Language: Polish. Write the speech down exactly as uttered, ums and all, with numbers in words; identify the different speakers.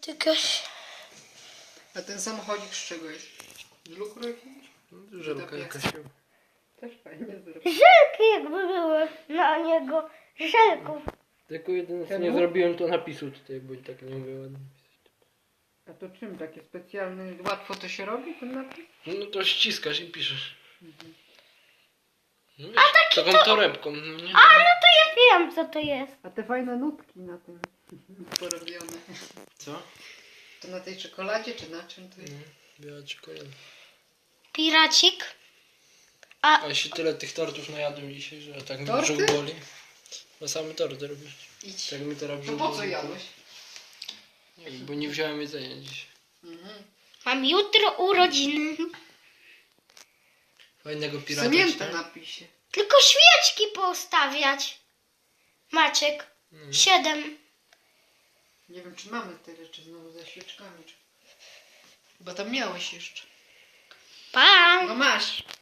Speaker 1: Jakaś...
Speaker 2: A ten samochodzik z czego jest? Z lukru jakiegoś?
Speaker 3: Żelka jakaś.
Speaker 2: Też fajnie zrobił.
Speaker 1: Żelki jakby były na niego. Żelków.
Speaker 3: Tylko jedyne co
Speaker 2: Temu?
Speaker 3: nie zrobiłem to napisu tutaj, bo i tak nie umiem ładnie pisać.
Speaker 2: A to czym takie specjalne? Łatwo to się robi ten napis?
Speaker 3: No to ściskasz i piszesz.
Speaker 2: Mhm.
Speaker 3: No wiesz, taką
Speaker 1: to-
Speaker 3: torebką, no nie?
Speaker 1: A no to ja wiem co to jest.
Speaker 2: A te fajne nutki na tym porobione.
Speaker 3: Co?
Speaker 2: To na tej czekoladzie czy na czym to jest?
Speaker 3: No, biała czekolada.
Speaker 1: Piracik.
Speaker 3: A się tyle tych tortów najadłem dzisiaj, że tak mi
Speaker 2: Torty?
Speaker 3: brzuch boli. No same torty robię.
Speaker 2: Idź.
Speaker 3: Tak mi teraz
Speaker 2: To
Speaker 3: brzuch
Speaker 2: po co
Speaker 3: boli.
Speaker 2: jadłeś?
Speaker 3: Nie wiem, bo nie wziąłem jedzenia dziś.
Speaker 2: Mhm.
Speaker 1: Mam jutro urodziny.
Speaker 3: Fajnego pirata.
Speaker 2: Psunięte napisie.
Speaker 1: Tylko świeczki postawiać. Maciek.
Speaker 3: No.
Speaker 1: Siedem.
Speaker 2: Nie wiem czy mamy tyle, czy znowu ze świeczkami. Czy... Chyba tam miałeś jeszcze.
Speaker 1: Pa.
Speaker 2: No masz.